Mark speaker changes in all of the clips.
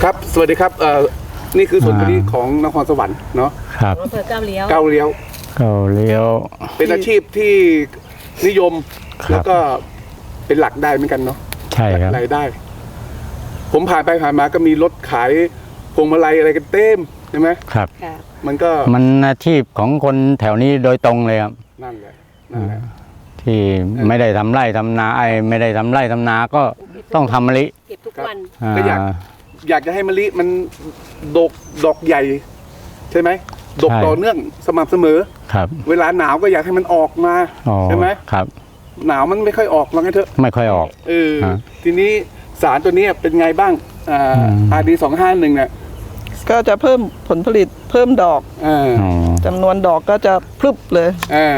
Speaker 1: ครับสวัสดีครับนี่คือส่วนผลิตของนครสวรรค์เนาะ
Speaker 2: ครับ
Speaker 3: อำเภอก้าวเลี้ยว
Speaker 2: ก้าวเลี้ยว
Speaker 1: เป็นอาชีพที่นิยมแล้วก็เป็นหลักได้เหมือนกันเนาะ
Speaker 2: ใช่ครับ
Speaker 1: รายได้ ผมผ่านไปผ่านมาก็มีรถขายพวงมาลัยอะไรกันเต็มใช่ไหม
Speaker 2: ครับ
Speaker 1: มัน
Speaker 2: อาชีพของคนแถวนี้โดยตรงเลยครับ
Speaker 1: นั่นแหละ
Speaker 2: ที่ไม่ได้ทำไร่ทำนาไม่ได้ทำไร่ทำนาก็ต้องทำมะลิ
Speaker 3: เก็บทุกวัน
Speaker 1: ก็อยากจะให้มะลิมันดอกใหญ่ใช่ไหมดกต่อเนื่องสม่ำเสมอ
Speaker 2: ครับ
Speaker 1: เวลาหนาวก็อยากให้มันออกมาใช่ไหม
Speaker 2: ครับ
Speaker 1: หนาวมันไม่ค่อยออกว่างั้นเถอะ
Speaker 2: ไม่ค่อยออก
Speaker 1: ทีนี้สารตัวนี้เป็นไงบ้างRD 251เนี่ย
Speaker 4: ก็จะเพิ่มผลผลิตเพิ่มดอกจำนวนดอกก็จะพรึบเลย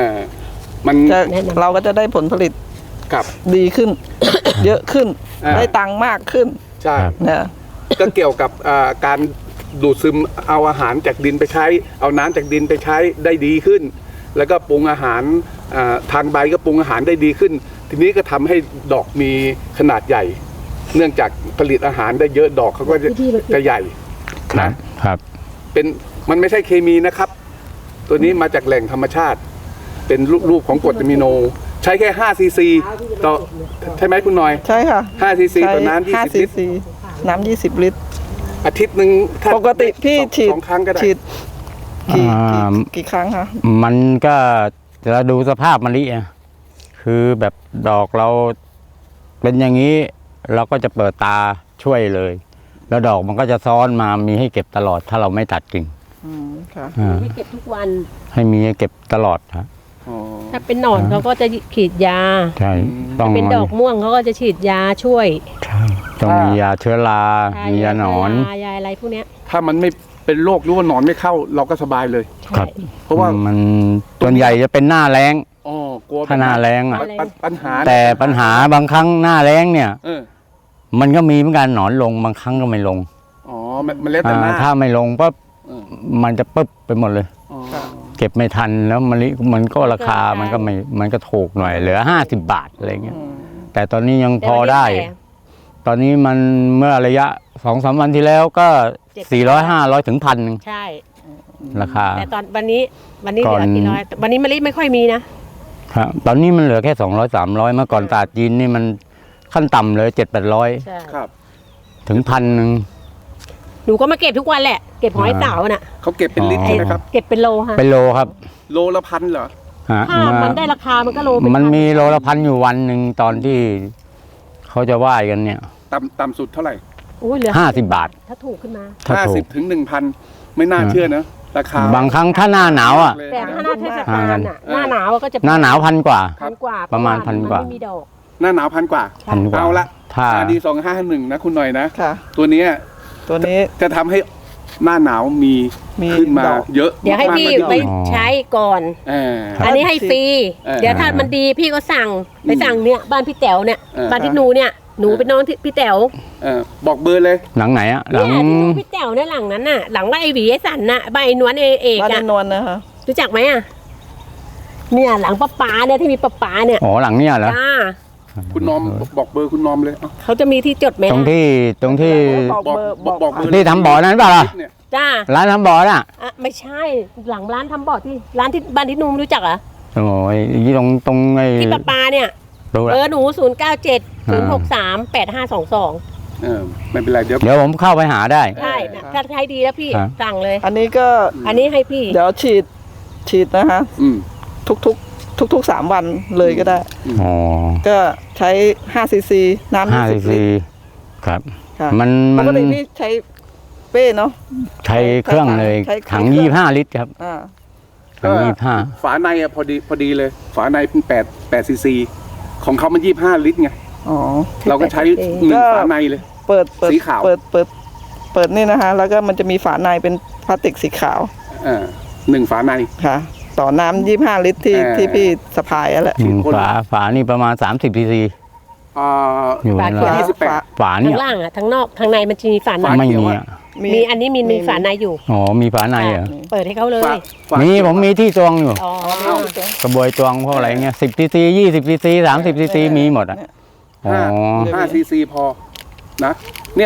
Speaker 4: เราก็จะได้ผลผลิตดีขึ้น เยอะขึ้นได้ตังค์มากขึ้น
Speaker 1: ใช่ก็เกี่ยวกับการดูดซึมเอาอาหารจากดินไปใช้เอาน้ำจากดินไปใช้ได้ดีขึ้นแล้วก็ปรุงอาหารทางใบก็ปรุงอาหารได้ดีขึ้นทีนี้ก็ทำให้ดอกมีขนาดใหญ่เนื่องจากผลิตอาหารได้เยอะดอกเขาก็จะใหญ่
Speaker 2: นะครับ
Speaker 1: เป็นมันไม่ใช่เคมีนะครับตัวนี้มาจากแหล่งธรรมชาติเป็นรูปของกรดอะมิโนใช้แค่5 ซีซีต่อใช่ไหมคุณหน่อย
Speaker 4: ใช่ค่ะ
Speaker 1: 5 ซีซีต่อน้ำ20 ลิตร
Speaker 4: น้ำ20 ลิตร
Speaker 1: อาทิตย์หนึ่ง
Speaker 4: ปกติพี่ฉีด
Speaker 1: 2 ครั้งก็ได้
Speaker 4: กี่ครั้งคะ
Speaker 2: มันก็จะดูสภาพมะลิคือแบบดอกเราเป็นอย่างนี้เราก็จะเปิดตาช่วยเลยแล้วดอกมันก็จะซ้อนมามีให้เก็บตลอดถ้าเราไม่ตัดกิ่ง
Speaker 4: ค่ะ
Speaker 3: ให้เก็บทุกวัน
Speaker 2: ให้มีให้เก็บตลอดครับ
Speaker 3: ถ้าเป็นหนอนเขาก็จะฉีดยา
Speaker 2: ใช่
Speaker 3: ต้องเป็นดอกม่วงเขาก็จะฉีดยาช่วย
Speaker 2: ใช่ต้องมียาเชื้อรามียาหนอน
Speaker 3: ยาอะไรพวกนี้
Speaker 1: ถ้ามันไม่เป็นโรคหรือว่าหนอนไม่เข้าเราก็สบายเลย
Speaker 2: ครับเพราะว่ามันส่วนใหญ่จะเป็นหน้าแล้งถ้าหน้าแล้ง
Speaker 1: ปัญหา
Speaker 2: แต่ปัญหาบางครั้งหน้าแล้งเนี่ยมันก็มีเหมือนกันหนอนลงบางครั้งก็ไม่ลง
Speaker 1: มันแล้วแต่หน้า
Speaker 2: ถ้าไม่ลงปั๊บมันจะปึ๊บไปหมดเลยเก็บไม่ทันแล้วมะลิมันก็ราคามันก็ถูกหน่อยเหลือ50 บาทอะไรเงี้ยแต่ตอนนี้ยังพอได้ตอนนี้มันเมื่อระยะ 2-3 วันที่แล้วก็400-500 ถึง 1,000 นึง
Speaker 3: ใช่
Speaker 2: ราคา
Speaker 3: แต่ตอนวันนี้เหลือกี่ร้อยวันนี้มะลิไม่ค่อยมี
Speaker 2: นะครับตอนนี้มันเหลือแค่200-300เมื่อก่อนตลาดจีนนี่มันขั้นต่ำเลย700-800
Speaker 1: ครับ
Speaker 2: ถึง 1,000 นึง
Speaker 3: หนูก็มาเก็บทุกวันแหละเก็บหอยเต่าน่ะ
Speaker 1: เขาเก็บเป็นลิตรใช่ไหมครับ
Speaker 3: เก็บเป็นโลค่ะ
Speaker 2: เป็นโลครับ
Speaker 1: โลละ1,000เหรอ
Speaker 3: ถ้ามันได้ราคามันก็โล
Speaker 2: มันมีโลละ1,000อยู่วันหนึ่งตอนที่เขาจะว่ายกันเนี่ย
Speaker 1: ต่ำสุดเท่าไหร่
Speaker 3: เหลือ
Speaker 2: 50 บาท
Speaker 3: ถ้าถูกขึ้นมา
Speaker 1: 50 ถึง 1,000ไม่น่าเชื่อนะราคา
Speaker 2: บางครั้งถ้าหน้าหนาว
Speaker 3: แต่ถ้าหน้าเทศกาลหน้าหนาวก็จะ
Speaker 2: หน้าหนาว1,000 กว่าประมาณ
Speaker 3: 1,000 กว่าไม่มีดอก
Speaker 1: หน้าหนาว1,000 กว่าเอาละRD 251นะคุณหน่อยนะตัวนี้จะทำให้หน้าหนาวมีขึ้นมาเยอะ
Speaker 3: เดี๋ยวให้พี่ไปใช้ก่อนอันนี้ให้ฟรีเดี๋ยวถ้ามันดีพี่ก็สั่งไปสั่งเนี่ยบ้านพี่แต๋วเนี่ยบ้านที่หนูเนี่ยหนูเป็นน้องที่พี่แต๋ว
Speaker 1: บอกเบอร์เลย
Speaker 2: หลังไหนอะหลัง
Speaker 3: พี่แต๋วเนี่ยหลังนั้นน่ะหลังบ้านไอหวีไอสันน่ะบ้านไอ้นวลเอก
Speaker 4: บ้านนวลนะคะ
Speaker 3: รู้จักไหมอ่ะเนี่ยหลังป้าเนี่ยที่มีป้าเนี่ย
Speaker 2: อ๋อหลังเนี่ยเหรอ
Speaker 1: คุณน้อมบอกเบอร์คุณน้อมเลย
Speaker 3: เขาจะมีที่จดไหม
Speaker 2: ตรงที่
Speaker 1: บอกเบอร์
Speaker 2: ที่ทำบ่อนั้นเปล่า
Speaker 3: จ้า
Speaker 2: ร้านทำบ่อน่ะ
Speaker 3: ไม่ใช่หลังร้านทำบ่อที่ร้านที่บ้านที่นุ่มรู้จักอ่ะ
Speaker 2: โอ้ยตรงไอ้
Speaker 3: ที่ป้าเนี่ยเบอร์หนู0970638522
Speaker 1: ไม่เป็นไรเดี๋ยว
Speaker 2: ผมเข้าไปหาได้
Speaker 3: ใช่ถ้าใช้ดีแล้วพี่สั่งเลย
Speaker 4: อันนี้
Speaker 3: ให้พี่
Speaker 4: เดี๋ยวฉีดนะคะทุก3 วันเลยก็ได้ก็ใช้5 ซีซีน้ำ20 ลิตร
Speaker 2: ครับมัน
Speaker 4: ปกติพี่ใช้เป้เนาะ
Speaker 2: ใช้เครื่องเลยถัง25 ลิตรครับถัง25
Speaker 1: ฝาในพอดีเลยฝาในเป็น8 ซีซีของเขามัน25 ลิตรไงเราก็ใช้1 ฝาในเลย
Speaker 4: เปิด
Speaker 1: สีขาว
Speaker 4: เปิดนี่นะคะแล้วก็มันจะมีฝาในเป็นพลาสติกสีขาว
Speaker 1: 1 ฝาใน
Speaker 4: ค่ะต่อน้ำ25 ลิตรที่พี่สะพายแหละ
Speaker 2: ฝานี่ประมาณ30 ซีซี
Speaker 3: อยู่ใน
Speaker 2: ฝานี่
Speaker 3: ข้างล่างทั้งนอกข้างในมันจะมีฝาใน
Speaker 2: ไม่
Speaker 3: มีอันนี้มีฝาในอยู่
Speaker 2: มีฝาในเหรอ
Speaker 3: เปิดให้เขาเลย
Speaker 2: ผมมีที่ตวงอยู่กระบวยตวงพวกอะไรเงี้ย10 ซีซี20 ซีซี30 ซีซีมีหมด5
Speaker 1: ซีซีพอนะเนี่ย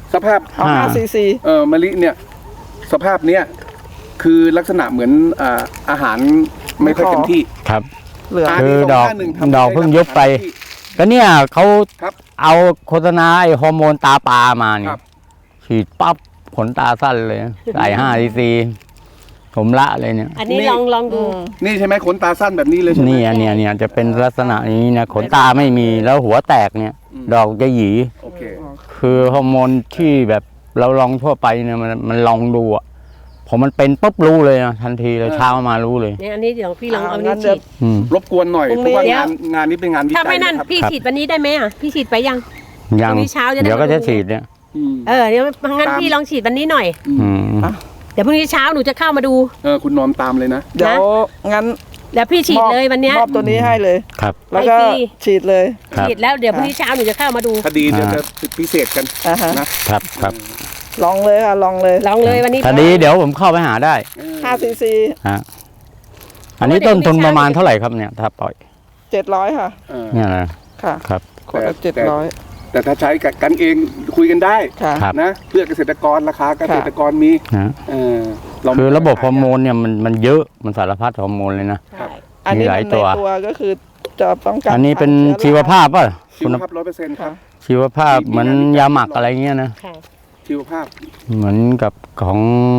Speaker 1: สภาพ
Speaker 4: เอา5 cc
Speaker 1: มะลิเนี่ยสภาพเนี้ยคือลักษณะเหมือนอาหารไม่ค่อยเต็มที่
Speaker 2: ครับ
Speaker 4: เหลือ
Speaker 2: คือดอก
Speaker 1: 251
Speaker 2: ดอกเพิ่งยุบไป ก็เนี่ยเขา
Speaker 1: ครับ
Speaker 2: เอาโฆษณาไอ้ฮอร์โมนตาปลามาเนี่
Speaker 1: ครั
Speaker 2: ย
Speaker 1: บ
Speaker 2: ฉีดปั๊บขนตาสั้นเลยใส่5 cc ผมละเลยเนี่ย
Speaker 3: อันนี้
Speaker 1: นี่
Speaker 3: ลองดู
Speaker 1: นี่ใช่ไหมขนตาสั้นแบบนี้เลยใช่ไหม
Speaker 2: เนี่ยจะเป็นลักษณะอย่างนี้นะขนตาไม่มีแล้วหัวแตกเนี่ย ดอกจะหยี
Speaker 1: โอเค
Speaker 2: คือฮอร์โมนที่แบบเราลองทั่วไปเนี่ยมันลองดูอ่ะพอมันเป็นปุ๊บรู้เลยนะทันทีเลยเช้ามารู้เลย
Speaker 3: เนี่ยอันนี้เดี๋ยวพี่ลองเอา
Speaker 4: งั้
Speaker 3: นี้
Speaker 4: นเดี๋
Speaker 3: ฉี
Speaker 4: ยว
Speaker 3: ด
Speaker 1: รบกวนหน่อย
Speaker 4: พรุ่ง
Speaker 1: เพ
Speaker 4: นี้
Speaker 1: ราะว่า
Speaker 3: เดี๋ยว
Speaker 1: งานนี้เป็นงานวิจัย
Speaker 3: ถ้าไม่นั่น
Speaker 1: นะครับ
Speaker 3: พี่ฉีดวันนี้ได้ไหมอ่ะพี่ฉีดไปยัง
Speaker 2: ยัง
Speaker 3: พรุ่งนี้เช้าจะได้
Speaker 2: เดี๋ยวก็
Speaker 3: มาดู
Speaker 2: จะฉีดเนี่ย
Speaker 1: อืม
Speaker 3: เดี๋ยวงั้นพี่ลองฉีดวันนี้หน่อย
Speaker 2: อืม
Speaker 3: เดี๋ยวพรุ่งนี้เช้าหนูจะเข้ามาดู
Speaker 1: คุณนอนตามเลยนะ
Speaker 4: เดี๋ยวงั้น
Speaker 3: แล้วพี่ฉีดเลยวันเนี้ย
Speaker 4: มอบตัวนี้ให้เลย
Speaker 2: ครับ
Speaker 4: แล้วก็
Speaker 3: ให้ฟรี
Speaker 4: ฉีดเลย
Speaker 2: ครับ
Speaker 3: ฉีดแล้วเดี๋ยวพรุ่งนี้เช้าหนูจะเข้ามาดู
Speaker 1: คดีเดี๋ยวจะพิเศษกัน
Speaker 4: อ่าฮะ
Speaker 1: นะครับ
Speaker 2: ครับ
Speaker 4: ลองเลยค่ะลองเลย
Speaker 3: ลองเลยวันนี้
Speaker 2: คดีเดี๋ยวผมเข้าไปหาได้
Speaker 4: 5 cc
Speaker 2: ฮะอันนี้ต้นทุนประมาณเท่าไหร่ครับเนี่ยถ้าปล่อย
Speaker 4: 700ค่ะ
Speaker 1: เออ
Speaker 2: เนี่ยนะ
Speaker 4: ค่ะ
Speaker 2: ครับ
Speaker 4: ขวดละ
Speaker 1: แต่
Speaker 4: 700
Speaker 1: แต่ถ้าใช้กันเองคุยกันได้
Speaker 4: ค่ะ
Speaker 2: ครับ
Speaker 1: นะเพื่อเกษตรกรราคาเกษตรกรมี
Speaker 2: นะ
Speaker 1: เออเา
Speaker 2: คือระบบฮอร์โมนเนี่ยมันเยอะมันสารพัดฮอร์โมนเลยนะ
Speaker 3: ใช่
Speaker 4: อันนี้
Speaker 2: มีหลาย
Speaker 4: มัน
Speaker 2: ตัว
Speaker 4: ในตัวก็คือจะป้องกัน
Speaker 2: อันนี้เป็น
Speaker 4: ชื้อ
Speaker 2: ชีวภาพป่ะ
Speaker 1: ชีวภาพ100%ครับ
Speaker 2: ชีวภาพเหมือนยาหมักอะไรเงี้ยนะ
Speaker 3: ค่ะ
Speaker 1: ชีวภาพ
Speaker 2: เหมือนกับของ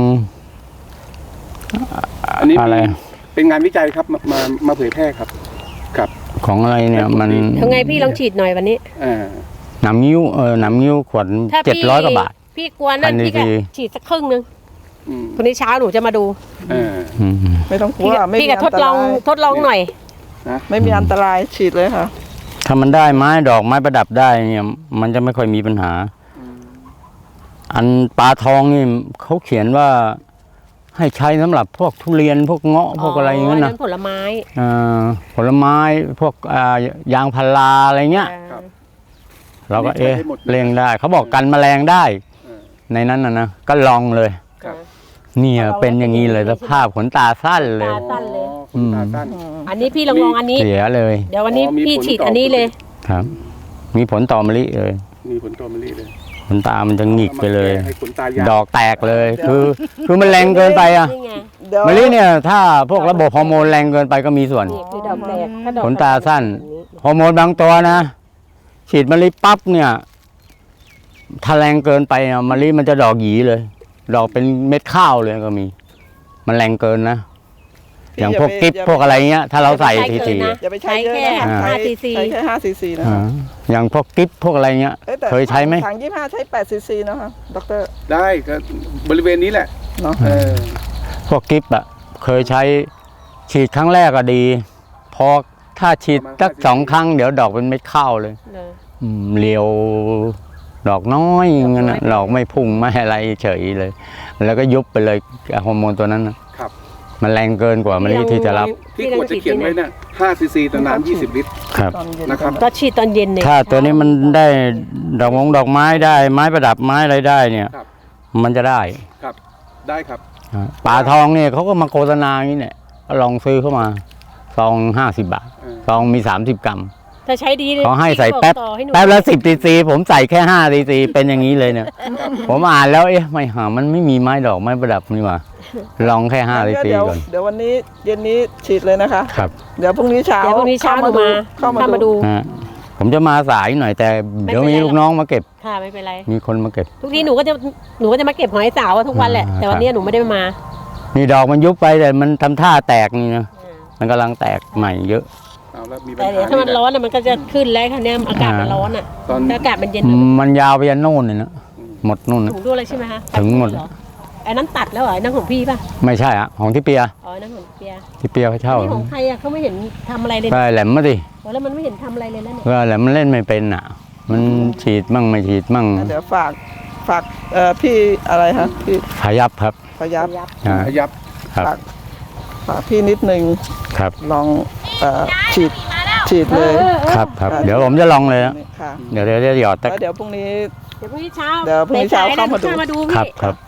Speaker 1: อันนี้
Speaker 2: อะไร
Speaker 1: เป็นงานวิจัยครับมาเผยแพร่ครับครับ
Speaker 2: ของอะไรเนี่ยมัน
Speaker 3: ยังไงพี่ลองฉีดหน่อยวันนี้
Speaker 1: อ่า
Speaker 2: หนำนิ้วหนำนิ้วขวด
Speaker 3: ถ้าพี่
Speaker 2: 700 กว่าบาท
Speaker 3: พี่กลัวนั่น
Speaker 2: 1,000
Speaker 3: พี่ก็
Speaker 2: cc
Speaker 3: ฉีดสักครึ่งนึง
Speaker 1: อืม
Speaker 3: พรุ่งนี้เช้าหนูจะมาดู
Speaker 1: อ่า
Speaker 2: อืม
Speaker 4: ไม่ต้องกลั
Speaker 3: พี่
Speaker 4: ว
Speaker 3: ก็
Speaker 4: ไม่
Speaker 3: พี่
Speaker 4: มี
Speaker 3: ก็
Speaker 4: อัน
Speaker 3: ทด
Speaker 4: ต
Speaker 3: ล
Speaker 4: รา
Speaker 3: อง
Speaker 4: ย
Speaker 3: ทดลองหน่อย
Speaker 4: ไม่มีอันตรายฉีดเลยค่ะ
Speaker 2: ถ้ามันได้ไม้ดอกไม้ประดับได้เนี่ยมันจะไม่ค่อยมีปัญหา อันปลาทองนี่เขาเขียนว่า ให้ใช้สำหรับพวกทุเรียนพวกเงาะพวกอะไรอย่างเงี้ยนะ
Speaker 3: ผลไม้
Speaker 2: ผลไม้พวกยางพาราอะไรเงี้ย
Speaker 1: ครับ
Speaker 2: เราก็
Speaker 1: ใช้ได้หมดเลย
Speaker 2: เลี้ยงได้ เขาบอกกันแมลงได้ ในนั้นนะก็ลองเลย
Speaker 1: ครับ
Speaker 2: เนี่ยเป็นอย่างนี้เลยสภาพขนตาสั้นเลย
Speaker 3: ตาสั้นเลย
Speaker 1: อ๋อขนตาสั้น
Speaker 3: อันนี้พี่ลองอันนี้
Speaker 2: เสียเลย
Speaker 3: เดี๋ยววันนี้
Speaker 1: อ๋อมี
Speaker 3: พี่
Speaker 1: ผล
Speaker 3: ฉีด
Speaker 1: ต่ออั
Speaker 3: อันนี้เลย
Speaker 2: ครับ มีผลต่อมะลิเลย
Speaker 1: มีผลต่อมะลิเลย
Speaker 2: ขนตามันจะหงิกไปเลย
Speaker 1: ให้ขนตายาว
Speaker 2: ดอกแตกเลย คือมันแรงเกินไปอ่ะ
Speaker 3: นี่ไง
Speaker 4: เดี๋ยว
Speaker 2: มะลิเนี่ยถ้าพวกระบบฮอร์โมนแรงเกินไปก็มีส่วน
Speaker 3: นี่คือดอกแตกถ้าดอก
Speaker 2: ขนตาสั้น ฮอร์โมนบางตัวนะ ฉีดมะลิปั๊บเนี่ยถ้าแรงเกินไปอะมะลิมันจะดอกหยีเลย ดอกเป็นเม็ดข้าวเลยก็มี มันแรงเกินนะ อย่างพวกกิ๊บพวกอะไรเงี้ย ถ้าเราใส่ที
Speaker 4: อย่าไปใช้เยอะนะ
Speaker 3: ใช้
Speaker 4: ใช้
Speaker 3: แค่5 cc
Speaker 4: ใช้แค่5 cc นะ
Speaker 2: อย่างพวกกิ๊บพวกอะไรเงี้ย
Speaker 4: อ้แต่
Speaker 2: เคยใช้ไหม
Speaker 4: ถัง25 ใช้8 cc นะคะดร
Speaker 1: ได้ก็บริเวณนี้แหละ
Speaker 4: เนาะ
Speaker 1: เออ
Speaker 2: พวกกิ๊บอะเคยใช้ฉีดครั้งแรกก็ดี พอถ้าฉีดสัก2 ครั้งเดี๋ยวดอกเป็นเม็ดข้าวเลย
Speaker 3: เลย
Speaker 2: เรียวดอกน้อยอย่างนั้นนะดอกไม่พุ่งไม่อะไรเฉยเลย แล้วก็ยุบไปเลยฮอร์โมนตัวนั้นนะครับ มันแรงเกินกว่ามะลิที่จะรับ
Speaker 1: ที่ขวดจะเขียนไว้น่ะ5 ซีซีต่อน้ำ20 ลิตร
Speaker 2: ครับ
Speaker 4: ตอนเย็น
Speaker 1: นะครับ
Speaker 3: ก็ฉีดตอนเย็นเนี่ย
Speaker 2: ถ้าตัวนี้มันได้ดอกไม้ได้ไม้ประดับไม้อะไรได้เนี่ย
Speaker 1: ครับ
Speaker 2: มันจะได้
Speaker 1: ครับ ได้ครับ
Speaker 2: ป่าทองเนี่ยเขาก็มาโฆษณาอย่างนี้เนี่ยก็ลองซื้อเข้ามาซอง50 บาท
Speaker 1: เออ
Speaker 2: ซองมี30 กรัม
Speaker 3: ถ้าใช้ดีเลย
Speaker 2: เขาให้ใส่
Speaker 3: พี่
Speaker 2: แป๊บ
Speaker 3: ต่อให้หนู
Speaker 2: แป๊บละ10 cc ผมใส่แค่5 cc เป็นอย่างนี้เลยเนี่ย ผมอ่านแล้วไม่หามันไม่มีไม้ดอกไม้ประดับนี่หว่าลองแค่5 cc
Speaker 4: เดี๋ยว
Speaker 2: ก่อน
Speaker 4: เดี๋ยววันนี้เย็นนี้ฉีดเลยนะคะ
Speaker 2: ครับ
Speaker 4: เดี๋ยวพรุ่งนี้เช้า
Speaker 3: เดี๋ยวพรุ่งนี้เช้าหนูมา
Speaker 4: เข้า
Speaker 3: เข้า
Speaker 4: มา
Speaker 3: มา
Speaker 4: ดู
Speaker 3: ดู
Speaker 2: ฮะผมจะมาสายหน่อยแต่เดี๋ยว
Speaker 3: ไม่
Speaker 2: มี
Speaker 3: เป็นไร
Speaker 2: ลูกน้องมาเก็บ
Speaker 3: ค่ะไม่เป็นไร
Speaker 2: มีคนมาเก็บ
Speaker 3: ทุกทีหนูก็จะมาเก็บหอยสาวทุกวันแหละ แต่วันนี้หนูไม่ได้มา
Speaker 2: นี่ดอกมันยุบไปแต่มันทำท่าแตกนี่นะมันกำลังแตกใหม่เยอะ
Speaker 1: เอาแล้วมีปัญ
Speaker 3: แต่เดี๋ยว
Speaker 1: หา
Speaker 3: ถ้ามันร้อนอะมันก็จะขึ้นแล้วค่ะเนี่ยอากาศมันร้อนอ่ะ
Speaker 1: ตอน
Speaker 3: ถ้าอากาศมันเย็น
Speaker 2: มันยาวไปยันโน่นเลยนะหมดนู่นนะ
Speaker 3: ถึงด้วยเลยใช่ไหมคะ
Speaker 2: ถึงหมด
Speaker 3: เรอไอ้นั้นตัดแล้วเหรอไอ้นั่นของพี่ป่ะ
Speaker 2: ไม่ใช่อะของที่เปีย
Speaker 3: อ๋อไอ้นั่นของเปีย
Speaker 2: ที่เปียเขาเช่า
Speaker 3: นี่ของใครอะเขาไม่เห็นทำอะไรเลย
Speaker 2: ก็แหลมมาดิ
Speaker 3: แล้วมันไม่เห็นทำอะไรเลยแล้วเนี่ย
Speaker 2: ก็แหลมมันเล่นไม่เป็นอ่ะ มันฉีดมั่งไม่ฉีดมั่ง
Speaker 4: เดี๋ยวฝากพี่อะไรคะพี่
Speaker 2: พยับครับ
Speaker 4: พยับ
Speaker 2: อ่า
Speaker 1: ขยับ
Speaker 2: ครับ
Speaker 4: ฝากพี่นิดนึง
Speaker 2: ครับ
Speaker 4: ลองฉีดเลย
Speaker 2: ครับครับเดี๋ยวผมจะลองเลยนะ
Speaker 4: ค่ะ
Speaker 2: เดี๋ยวจะหยอดตะ
Speaker 4: แล้วเดี๋ยวพรุ่งนี้
Speaker 3: เดี๋ยวพรุ่งนี้เช้า
Speaker 4: เดี๋ยวพรุ่งนี้เช้า
Speaker 3: สยๆ
Speaker 4: เข้ามาดู
Speaker 3: เข้ามาดู
Speaker 2: ครับ
Speaker 3: พี่
Speaker 2: ครับ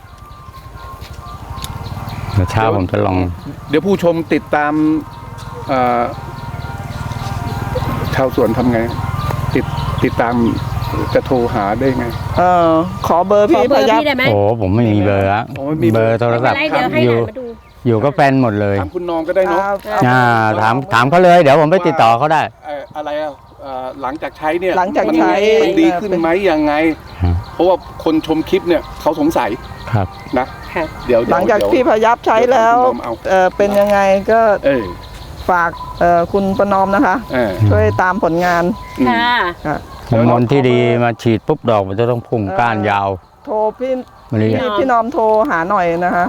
Speaker 2: เดี๋ยวเช้าผมจะลอง
Speaker 1: เดี๋ยวผู้ชมติดตามเอ่อชาวสวนทำไง ติดตามจะโทรหาได้ไง
Speaker 4: ขอเบอร์
Speaker 3: ขอ
Speaker 4: พี่
Speaker 3: เบอ
Speaker 4: พ
Speaker 3: ร์
Speaker 4: ยับ
Speaker 3: พี่ได้ไหม
Speaker 2: โอ้ผมไม่มีเบอร์อะ
Speaker 1: โอ้ไม่มี
Speaker 2: เบอร์โทรศัพท์
Speaker 3: ไม่เป็นไรเดี๋ยวให้
Speaker 2: อยู่
Speaker 3: หลานมาดู
Speaker 2: อยู่ก็แฟนหมดเลย
Speaker 1: ถามคุณน้องก็ได้เนาะ
Speaker 2: ถามเขาเลยเดี๋ยวผมไปติดต่อเขาได้
Speaker 1: อะไรหลังจากใช้เนี่ย
Speaker 4: หลังจากใช้
Speaker 1: มันดีขึ้นไหมยังไง เพราะว่าคนชมคลิปเนี่ยเขาสงสัย
Speaker 2: ครับ
Speaker 1: นะ
Speaker 3: ค่ะ
Speaker 1: เดี๋ยว
Speaker 4: หลังจาก
Speaker 1: เดี๋ยว
Speaker 4: พี่พยับใช้แล้ว
Speaker 1: เดี๋ยวคุณน้องเอา
Speaker 4: เป็นยังไงก็
Speaker 1: เออ
Speaker 4: ฝากคุณประนอมนะคะ
Speaker 1: เออ
Speaker 4: ช่วยตามผลงาน
Speaker 3: ค่ะ
Speaker 4: ค่ะ
Speaker 2: ฮอร์โมนที่ดีมาฉีดปุ๊บดอกมันจะต้องพุ่งก้านยาว
Speaker 4: โทรพี่
Speaker 2: มะลิ
Speaker 4: พี่นอมโทรหาหน่อยนะคะ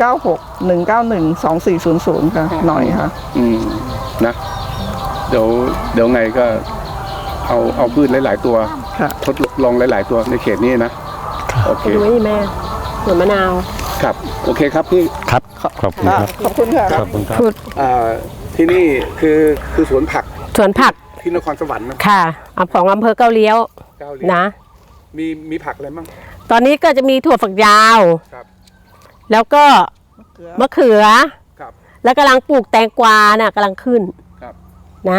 Speaker 4: 0961912400ค่ะหน่อยค่ะ
Speaker 1: นะเดี๋ยวไงก็เอาพืชหลายๆตัว
Speaker 4: ค่ะ
Speaker 1: ทดลองหลายๆตัวในเขตนี้นะโอเค
Speaker 3: ดูไว้นี่แม่สวนมะนาว
Speaker 1: ครับโอเคครับพี่
Speaker 2: ครับขอบคุณครับ
Speaker 4: ขอบคุณค่ะ
Speaker 2: ขอบคุณครับ
Speaker 1: ที่นี่คือสวนผัก
Speaker 3: สวนผัก
Speaker 1: ที่นครสวรรค์นะ
Speaker 3: ค่ะของอำเภอเก้าเลี้ยว
Speaker 1: เก้าเลี้ยง
Speaker 3: นะ
Speaker 1: มีผักอะไรบ้าง
Speaker 3: ตอนนี้ก็จะมีถั่วฝักยาว
Speaker 1: ครับ
Speaker 3: แล้วก็มะเขือ
Speaker 1: ครับ
Speaker 3: แล้วกำลังปลูกแตงกวาน่ะกำลังขึ้น
Speaker 1: ครับ
Speaker 3: นะ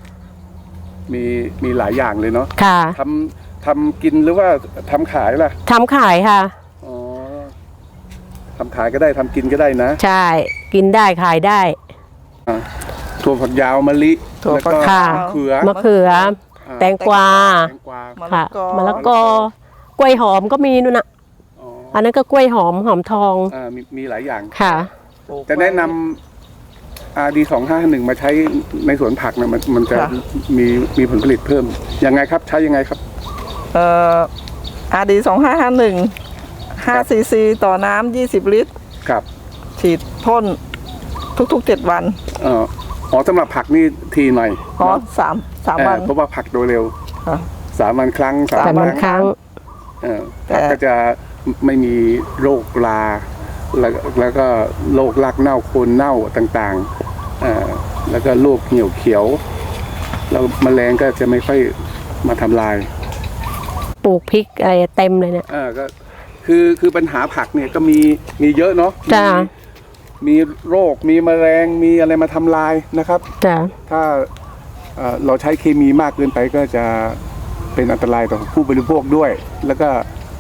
Speaker 1: มีหลายอย่างเลยเนาะ
Speaker 3: ค่ะ
Speaker 1: ทำกินหรือว่าทำขายล่ะ
Speaker 3: ทำขายค่ะ
Speaker 1: อ๋อทำขายก็ได้ทำกินก็ได้นะ
Speaker 3: ใช่กินได้ขายได้
Speaker 1: ถั่วฝักยาวมะลิ
Speaker 4: ถั่วฝัก
Speaker 1: แล้วก็
Speaker 3: ค่ะ
Speaker 1: มะเขือ
Speaker 3: มะเขือ แตงกวา
Speaker 1: แตงกวา
Speaker 3: ค่ะ
Speaker 4: มะละกอ
Speaker 3: มะละกอกล้วยหอมก็มีนู่นน่ะ
Speaker 1: อ๋อ
Speaker 3: อันนั้นก็กล้วยหอมทอง
Speaker 1: มีหลายอย่าง
Speaker 3: ค่ะ
Speaker 1: จะแนะนำRD 2551มาใช้ในสวนผักนะมันจะ
Speaker 4: ค่ะ
Speaker 1: มีผลผลิตเพิ่มยังไงครับใช้ยังไงครับ
Speaker 4: RD 2551 5 cc ต่อน้ำ20 ลิตร
Speaker 1: ครับ
Speaker 4: ฉีดพ่นทุกๆ 7 วัน
Speaker 1: สำหรับผักนี่ทีหน่อย
Speaker 4: อ๋อ
Speaker 1: เนาะ
Speaker 4: สามวัน
Speaker 1: เพราะว่าผักโดยเร็ว
Speaker 4: ค่ะ
Speaker 1: 3 วันครั้ง
Speaker 3: ๆแต่มันครั้ง
Speaker 1: ผักก็จะไม่มีโรคราแล้วก็โรครากเน่าโคนเน่าต่างๆแล้วก็โรคเหี่ยวเขียวแล้วแมลงก็จะไม่ค่อยมาทำลาย
Speaker 3: ปลูกพริกอะไรเต็มเลยเนี่ย
Speaker 1: ก็คือปัญหาผักเนี่ยก็มีเยอะเนาะ
Speaker 3: จ้า
Speaker 1: มีโรคมีแมลงมีอะไรมาทำลายนะครับ
Speaker 3: จ้า
Speaker 1: ถ้าเราใช้เคมีมากเกินไปก็จะเป็นอันตรายต่อผู้บริโภคด้วย แล้วก็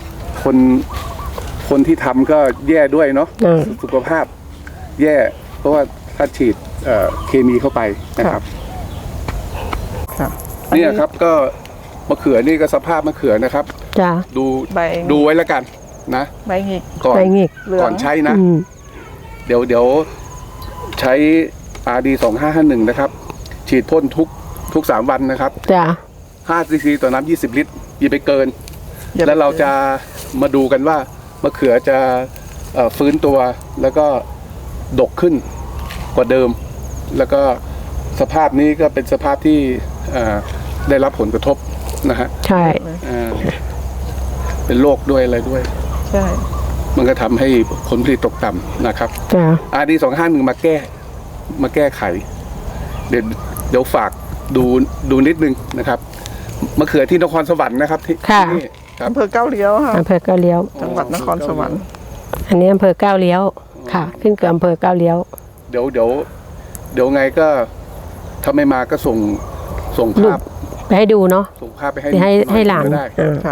Speaker 1: คนที่ทำก็แย่ด้วยเนาะสุขภาพแย่ เพราะว่าถ้าฉีดเคมีเข้าไปนะครับ
Speaker 4: ค่ะ
Speaker 1: เนี่ยครับก็มะเขือนี่ก็สภาพมะเขือนะครับ
Speaker 3: จ้า
Speaker 4: ใบ
Speaker 1: ดูไว้แล้วกันนะ
Speaker 4: ใบหงิก
Speaker 1: ก่อน
Speaker 3: ไปงิก
Speaker 4: เหลือง
Speaker 1: ก่อนใช้นะ
Speaker 3: อืม
Speaker 1: เดี๋ยวใช้ RD 2551นะครับ ฉีดพ่นทุก3 วันนะครับ
Speaker 3: จ้า
Speaker 1: 5 cc ต่อน้ำ20 ลิตรอย่าไปเกิน
Speaker 4: อย่าไป
Speaker 1: แล้วเราจะมาดูกันว่ามะเขือจะฟื้นตัวแล้วก็ดกขึ้นกว่าเดิม แล้วก็สภาพนี้ก็เป็นสภาพที่ได้รับผลกระทบนะฮะ
Speaker 3: ใช่
Speaker 1: เป็นโรคด้วยอะไรด้วย
Speaker 4: ใช่
Speaker 1: มันก็ทำให้ผลผลิตตกต่ำนะครับ
Speaker 3: จ้า
Speaker 1: RD 251มาแก้ไข เดี๋ยวฝากดูนิดนึงนะครับมะเขือที่นครสวรรค์นะครับที่นี่ครับ
Speaker 4: อำเภอเก้าเลี้ยวค่ะ
Speaker 3: อำเภอเก้าเลี้ยว
Speaker 4: จังหวัดนครสวรรค์
Speaker 3: อันนี้อำเภอเก้าเลี้ยวค่ะ ขึ้นกับอำเภอเก้าเลี้ยว
Speaker 1: เดี๋ยวไงก็ถ้าไม่มาก็ส่งภาพ
Speaker 3: ไปให้ดูเนาะ
Speaker 1: ส่งภาพไปให้
Speaker 3: ไปให้หลาน
Speaker 1: ก็ได้
Speaker 4: ค่ะ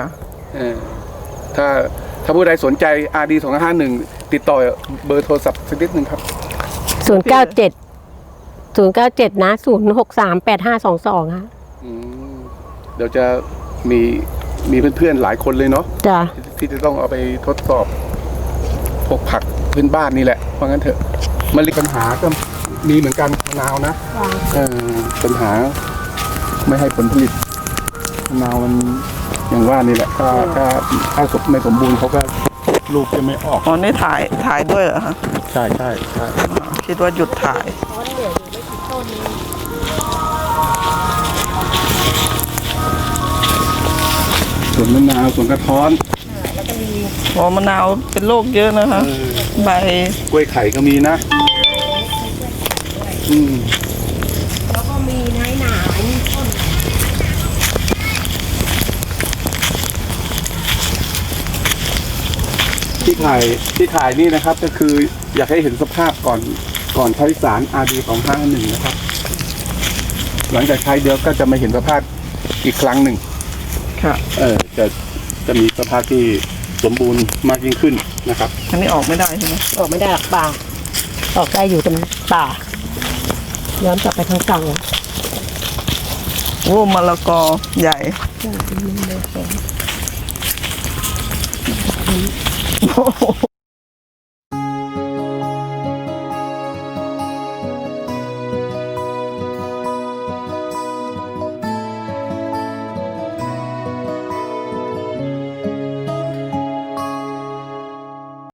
Speaker 1: ถ้าผู้ใดสนใจ RD 251ติดต่อเบอร์โทรศัพท์สักนิดนึงครับ
Speaker 3: 097นะ0638522ค่ะ
Speaker 1: เดี๋ยวจะมีเพื่อนๆหลายคนเลยเนาะ
Speaker 3: จ้า
Speaker 1: ที่จะต้องเอาไปทดสอบพวกผักพื้นบ้านนี่แหละเพราะงั้นเถอะมะลิปัญหาก็มีเหมือนกันมะนาวนะปัญหาไม่ให้ผลผลิตมะนาวมันอย่างว่านี่แหละถ้าไม่สมบูรณ์เขาก็ลูกจะไม่ออก
Speaker 4: อ๋อนี่ถ่ายด้วยเหรอคะ
Speaker 1: ใช่
Speaker 4: คิดว่าหยุดถ่าย
Speaker 1: ส่วนมะนาวส่วนกระท้อน
Speaker 4: อ๋อมะนาวเป็นโรคเยอะนะคะ ใบ
Speaker 1: กล้วยไข่ก็มีนะ
Speaker 3: แล้วก็มีน้อยหนามีต้น
Speaker 1: ที่ถ่ายนี่นะครับก็คืออยากให้เห็นสภาพก่อนใช้สาร RD 251นะครับ หลังจากใช้เดี๋ยวก็จะมาเห็นสภาพอีกครั้งหนึ่ง
Speaker 4: ค่ะ
Speaker 1: จะมีสภาพที่สมบูรณ์มากยิ่งขึ้นนะครับ
Speaker 4: อันนี้ออกไม่ได้ใช่ไหม
Speaker 3: ออกไม่ได้หรอกป่าออกได้อยู่ตรงป่าย้อนกลับไปทางฝั่ง
Speaker 4: โอ้มะละกอใหญ่โอ้โห